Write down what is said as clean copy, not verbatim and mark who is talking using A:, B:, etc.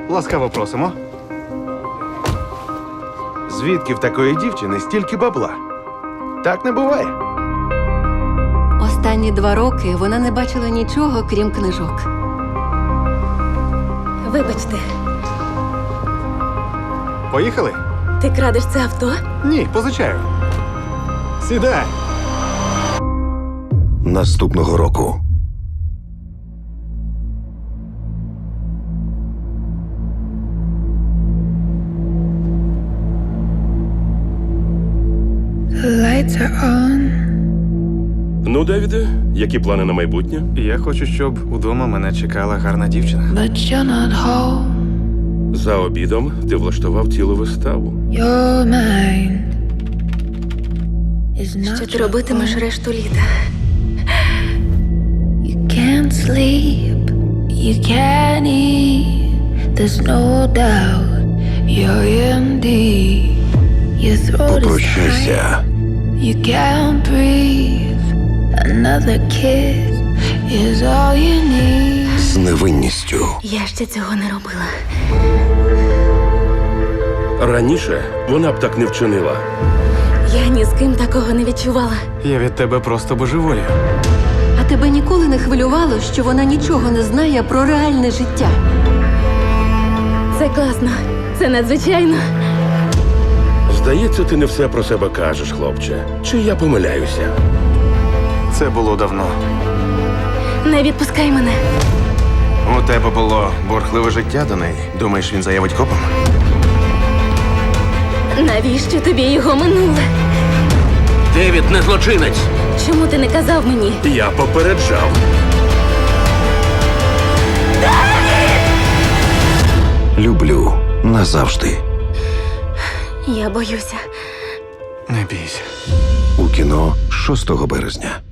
A: Ласкаво просимо.
B: Звідки в такої дівчини стільки бабла? Так не буває.
C: Останні 2 роки вона не бачила нічого, крім книжок.
D: Вибачте,
A: Поїхали?
D: ти крадеш це авто?
A: Ні, позичаю. Сідай.
B: Наступного року.
E: The lights are on.
F: Ну, Девіде, які плани на майбутнє?
A: Я хочу, щоб удома мене чекала гарна дівчина.
E: But you're not home.
F: За обідом ти влаштував цілу виставу.
E: Your mind is not
D: Що ти
E: your
D: робитимеш
E: own.
D: решту літа?
E: You can't sleep, you can't eat. There's no doubt you're in deep. Your throat is tight,
B: Попрощайся.
E: you can't breathe. Another kiss is all you need.
B: З невинністю.
D: Я ще цього не робила.
F: Раніше вона б так не вчинила.
D: Я ні з ким такого не відчувала.
A: Я від тебе просто божеволію.
C: А тебе ніколи не хвилювало, що вона нічого не знає про реальне життя?
D: Це класно. Це надзвичайно.
F: Здається, ти не все про себе кажеш, хлопче. Чи я помиляюся?
A: Це було давно.
D: Не відпускай мене.
B: У тебе було бурхливе життя до неї. Думаєш, він заявить копам?
D: Навіщо тобі його минуле?
F: Девід не злочинець.
D: Чому ти не казав мені?
F: Я попереджав.
B: Люблю назавжди.
D: Я боюся.
A: Не бійся.
B: У кіно 6 березня.